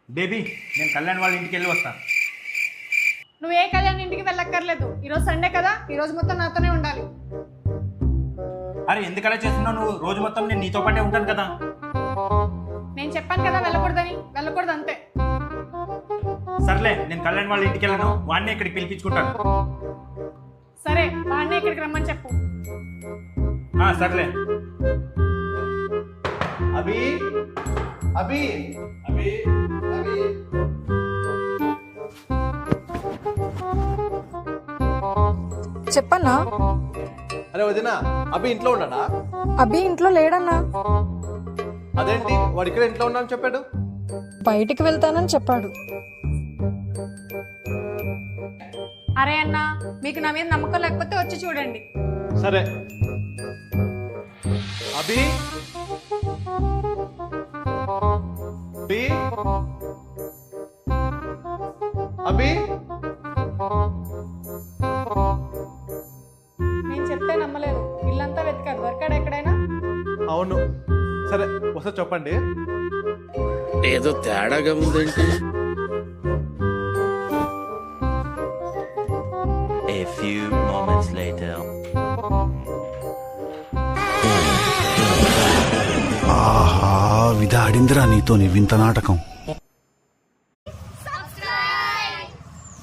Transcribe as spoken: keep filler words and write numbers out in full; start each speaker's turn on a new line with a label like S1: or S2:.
S1: Baby నేను కళ్యాణ్ వాళ్ళ ఇంటికి వెళ్ళి వస్తాను.
S2: నువ్వు ఏ కళ్యాణ్ ఇంటికి వెళ్ళక్కర్లేదు. ఈరోజు సండే కదా, ఈరోజు మొత్తం నాతోనే ఉండాలి.
S1: అరే ఎందుకలా చేస్తున్నావు నువ్వు? రోజు మొత్తం నేను నీతో పాటే ఉంటాను కదా.
S2: నేను చెప్పాను కదా వెళ్ళకూడదని, వెళ్ళకూడదు అంతే.
S1: సర్లే నేను కళ్యాణ్ వాళ్ళ ఇంటికి వెళ్ళను, వాడిని ఇక్కడికి పిలిపించుకుంటాను.
S2: సరే వాడినే ఇక్కడికి రమ్మని చెప్పు.
S1: ఆ, సర్లే.
S3: అభి అభి అభి అభి
S4: చెప్పన్నా.
S3: అరే వదినా, అభి ఇంట్లో ఉన్నాడా?
S4: అభి ఇంట్లో లేడన్నా.
S3: అదేంటి వాడు ఇక్కడ ఇంట్లో ఉన్నా అని చెప్పాడు?
S4: బయటికి వెళ్తానని చెప్పాడు.
S2: అరే అన్న, మీకు నా మీద నమ్మకం లేకపోతే వచ్చి చూడండి.
S3: సరే. అభి అభి అభి
S2: నేను చెప్తే నమ్మలేదు. ఇల్లంతా వెతికారు, దొరికాడు ఎక్కడైనా?
S3: అవును. సరే వస్తా చెప్పండి.
S5: ఏదో తేడాగా ఉందేంటి?
S6: A few moments later.
S7: ఆహా విధాడిందిరా నీతో నీ వింత నాటకం.